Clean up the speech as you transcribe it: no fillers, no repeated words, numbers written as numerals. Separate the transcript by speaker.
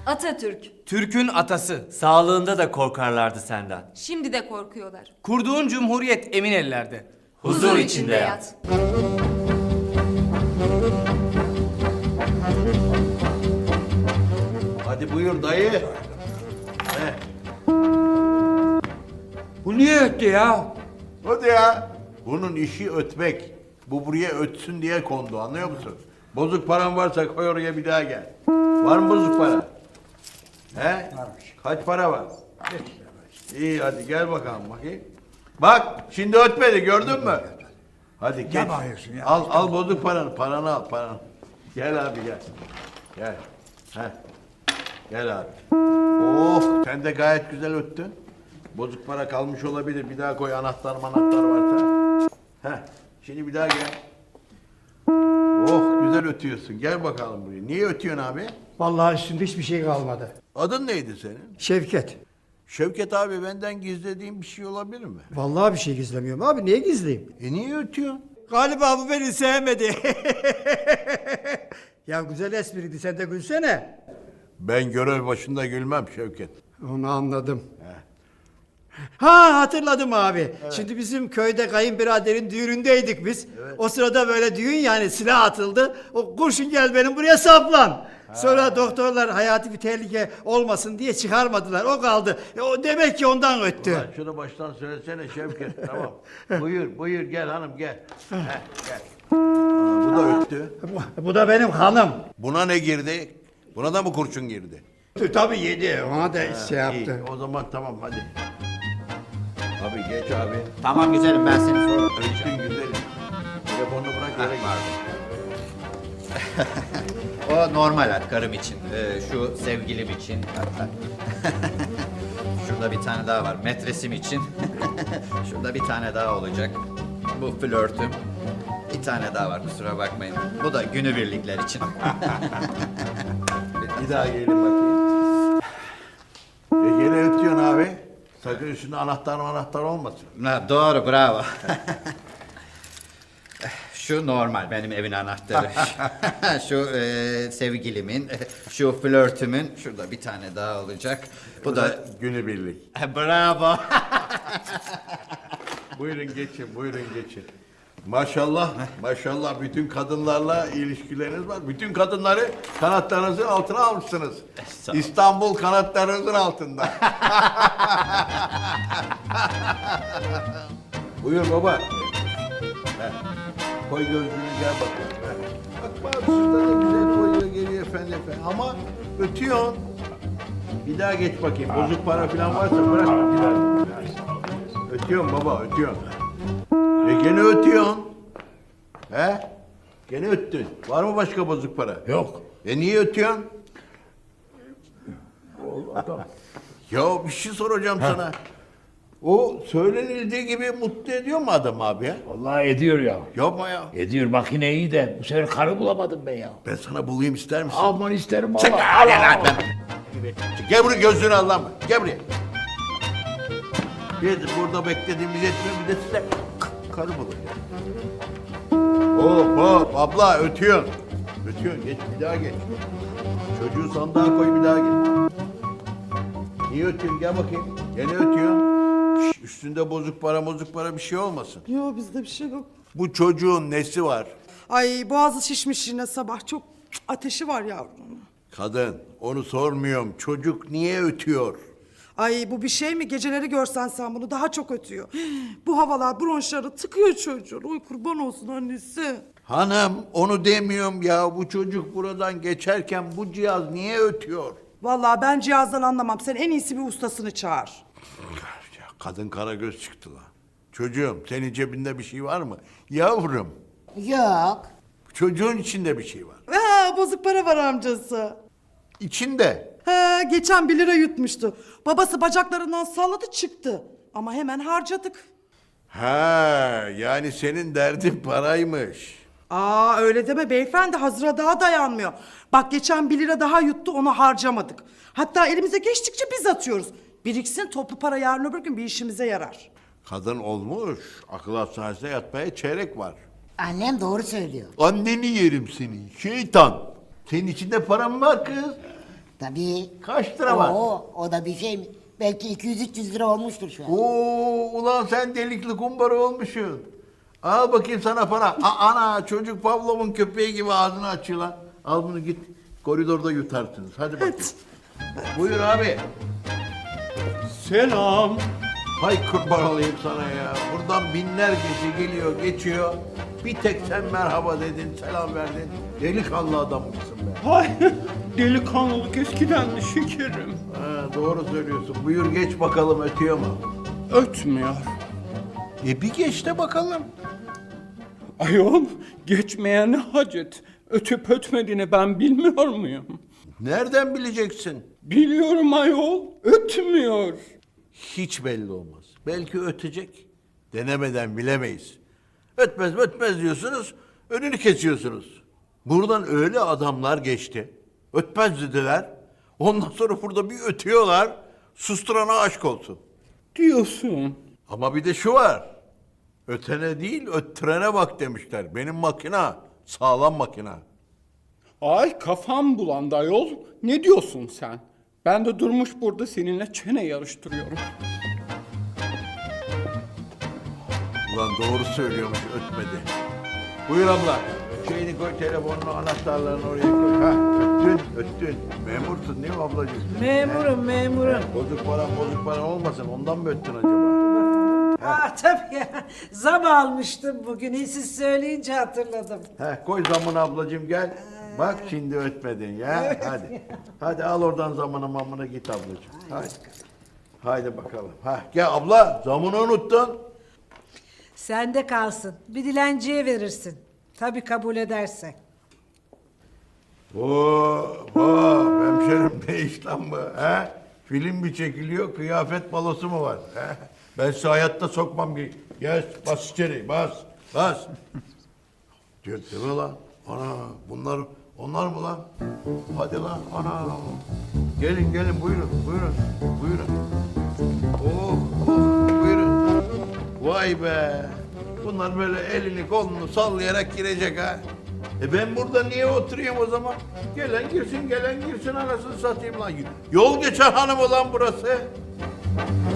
Speaker 1: Atatürk.
Speaker 2: Türk'ün atası.
Speaker 3: Sağlığında da korkarlardı senden.
Speaker 1: Şimdi de korkuyorlar.
Speaker 2: Kurduğun cumhuriyet emin ellerde.
Speaker 3: Huzur içinde yat.
Speaker 4: Hadi buyur dayı.
Speaker 5: Bu niye öttü ya?
Speaker 4: Hadi ya. Bunun işi ötmek. Bu buraya ötsün diye kondu, anlıyor musun? Bozuk paran varsa koy oraya, bir daha gel. Var mı bozuk para? He? Kaç para var? İyi, hadi gel bakalım bakayım. Bak şimdi ötmedi, gördün mü? Hadi geç.
Speaker 5: Ne bağırıyorsun ya?
Speaker 4: Al bozuk paranı al paranı. Gel abi gel. Gel. He. Gel abi. Oh, sen de gayet güzel öttün. Bozuk para kalmış olabilir. Bir daha koy, anahtar varsa. Heh. Şimdi bir daha gel. Oh, güzel ötüyorsun. Gel bakalım buraya. Niye ötüyorsun abi?
Speaker 5: Vallahi üstünde hiçbir şey kalmadı.
Speaker 4: Adın neydi senin?
Speaker 5: Şevket.
Speaker 4: Şevket abi, benden gizlediğin bir şey olabilir mi?
Speaker 5: Vallahi bir şey gizlemiyorum abi. Niye gizleyeyim?
Speaker 4: Niye ötüyorsun?
Speaker 5: Galiba bu beni sevmedi. Ya güzel espriydi. Sen de gülsene.
Speaker 4: Ben görev başında gülmem Şevket.
Speaker 5: Onu anladım. Ha, hatırladım abi. Şimdi bizim köyde kayınbiraderin düğünündeydik biz. O sırada böyle düğün, yani silah atıldı. O kurşun gel benim buraya saplan. Sonra doktorlar hayati bir tehlike olmasın diye çıkarmadılar. O kaldı. O demek ki ondan öttü.
Speaker 4: Ulan şunu baştan söylesene Şevket. Tamam. Buyur gel hanım gel. Heh, gel. Bu da öttü.
Speaker 5: Bu da benim hanım.
Speaker 4: Buna ne girdi? Buna da mı kurşun girdi?
Speaker 5: Tabii yedi. Ona da şey yaptı.
Speaker 4: İyi, o zaman tamam hadi. Abi geç abi.
Speaker 3: Tamam güzelim, ben seni sonra
Speaker 4: Öttün güzelim. Telefonunu bırak yere git.
Speaker 3: O normal karım için. Şu sevgilim için. Şurada bir tane daha var. Metresim için. Şurada bir tane daha olacak. Bu flörtüm. Bir tane daha var, kusura bakmayın. Bu da günübirlikler için.
Speaker 4: Bir daha gelin bakayım. Gene ötüyorsun abi. Sakın üstünde anahtar olmasın.
Speaker 3: Ha, doğru, bravo. Şu normal, benim evin anahtarı. Şu sevgilimin, şu flörtümün, şurada bir tane daha olacak. Bu da...
Speaker 4: Günübirlik.
Speaker 3: Bravo.
Speaker 4: Buyurun geçin. Maşallah bütün kadınlarla ilişkileriniz var. Bütün kadınları kanatlarınızın altına almışsınız.
Speaker 3: Sağ ol.
Speaker 4: İstanbul kanatlarınızın altında. Buyur baba. Heh. Koy gözlüğünü, gel bakalım. Heh. Bak bak, şurada da güzel koyuyor, geliyor efendi. Ama ötüyorsun. Bir daha geç bakayım. Bozuk para falan varsa bırak. Bir daha. Ötüyorsun baba, ötüyorsun. Gene ötüyorsun. He? Gene öttün. Var mı başka bozuk para?
Speaker 5: Yok.
Speaker 4: Niye ötüyorsun? Ya bir şey soracağım sana. O söylenildiği gibi mutlu ediyor mu adam abi ya?
Speaker 6: Vallahi ediyor ya.
Speaker 4: Yapma ya.
Speaker 6: Ediyor, makine iyi de bu sefer karı bulamadım ben ya.
Speaker 4: Ben sana bulayım, ister misin?
Speaker 6: Aman isterim
Speaker 4: Çık
Speaker 6: Allah.
Speaker 4: hadi lan. Gel buraya, gözlüğünü al lan. Gel buraya. Biz burada beklediğimiz yetmiyor, bir de size karı bulacağım. Hop abla ötüyorsun. Geç, bir daha geç. Çocuğu sandığa koy, bir daha geç. Niye ötüyorsun, gel bakayım. Gene ötüyorsun. Şş, üstünde bozuk para bir şey olmasın.
Speaker 7: Yok, bizde bir şey yok.
Speaker 4: Bu çocuğun nesi var?
Speaker 7: Ay, boğazı şişmiş yine sabah. Çok ateşi var yavrum.
Speaker 4: Kadın, onu sormuyorum. Çocuk niye ötüyor?
Speaker 7: Ay, bu bir şey mi? Geceleri görsen sen bunu daha çok ötüyor. Bu havalar bronşları tıkıyor çocuğun. Oy kurban olsun annesi.
Speaker 4: Hanım, onu demiyorum ya. Bu çocuk buradan geçerken bu cihaz niye ötüyor?
Speaker 7: Vallahi ben cihazdan anlamam. Sen en iyisi bir ustasını çağır.
Speaker 4: Ya kadın karagöz çıktı lan. Çocuğum, senin cebinde bir şey var mı? Yavrum,
Speaker 8: Yok.
Speaker 4: çocuğun içinde bir şey var.
Speaker 7: Ha, bozuk para var amcası.
Speaker 4: İçinde.
Speaker 7: Ha, geçen 1 lira yutmuştu. Babası bacaklarından salladı çıktı. Ama hemen harcadık.
Speaker 4: Ha, yani senin derdin paraymış.
Speaker 7: Aa, öyle deme beyefendi, hazıra daha dayanmıyor. Bak, geçen 1 lira daha yuttu, onu harcamadık. Hatta elimize geçtikçe biz atıyoruz. Biriksin, toplu para yarın öbür gün bir işimize yarar.
Speaker 4: Kadın olmuş, akıl hastanesine yatmaya çeyrek var.
Speaker 8: Annem doğru söylüyor.
Speaker 4: Anneni yerim seni, şeytan. Senin içinde param var kız.
Speaker 8: Tabii.
Speaker 4: Kaç lira var?
Speaker 8: O da bir şey mi? Belki 200-300 lira olmuştur şu an.
Speaker 4: Oo, ulan sen delikli kumbara olmuşsun. Al bakayım sana para. Ana çocuk Pavlov'un köpeği gibi ağzını açıyor lan. Al bunu git koridorda yutarsınız. Hadi bakayım. Buyur abi.
Speaker 5: Selam.
Speaker 4: Hay kurban olayım sana ya. Buradan binlercesi geliyor geçiyor. Bir tek sen merhaba dedin, selam verdin. Delikanlı adammışsın be.
Speaker 5: Hay delikanlılık eskidendi şekerim.
Speaker 4: Ha, doğru söylüyorsun. Buyur geç bakalım ötüyor mu?
Speaker 5: Ötmüyor.
Speaker 4: Bir geç de bakalım.
Speaker 5: Ayol geçmeye ne hacet? Ötüp ötmediğini ben bilmiyor muyum?
Speaker 4: Nereden bileceksin?
Speaker 5: Biliyorum ayol. Ötmüyor.
Speaker 4: Hiç belli olmaz. Belki ötecek. Denemeden bilemeyiz. Ötmez diyorsunuz, önünü kesiyorsunuz. Buradan öyle adamlar geçti. Ötmez dediler. Ondan sonra burada bir ötüyorlar. Susturana aşk olsun.
Speaker 5: Diyorsun.
Speaker 4: Ama bir de şu var. Ötene değil, öttürene bak demişler. Benim makina, sağlam makina.
Speaker 5: Ay kafam bulandı ayol. Ne diyorsun sen? Ben de durmuş burada seninle çene yarıştırıyorum.
Speaker 4: Ulan doğru söylüyormuş, ötmedi. Buyur abla. Şeyini koy, telefonunu, anahtarlarını oraya koy. Ha, öttün. Memursun değil mi ablacığım?
Speaker 9: Memurum.
Speaker 4: Bozuk para olmasın, ondan mı öttün acaba?
Speaker 9: Tabii ya. Zam almıştım bugün. Siz söyleyince hatırladım.
Speaker 4: Koy zamını ablacığım gel. Bak şimdi ötmedin ya. Hadi. Hadi al oradan zamını mamını git ablacığım. Hadi. Haydi bakalım. Gel abla zamını unuttun.
Speaker 9: Sende kalsın. Bir dilenciye verirsin. Tabii kabul edersen.
Speaker 4: Hemşerim ne iş lan bu? Film mi çekiliyor, kıyafet balosu mu var? Ben size hayatta sokmam. Gel bas içeri, bas. Diyor değil mi lan? Ana onlar mı lan? Hadi lan ana. Gelin buyurun. Buyurun. Vay be. Bunlar böyle elini kolunu sallayarak girecek ha. Ben burada niye oturayım o zaman? Gelen girsin anasını satayım lan. Yol geçen hanımı lan burası.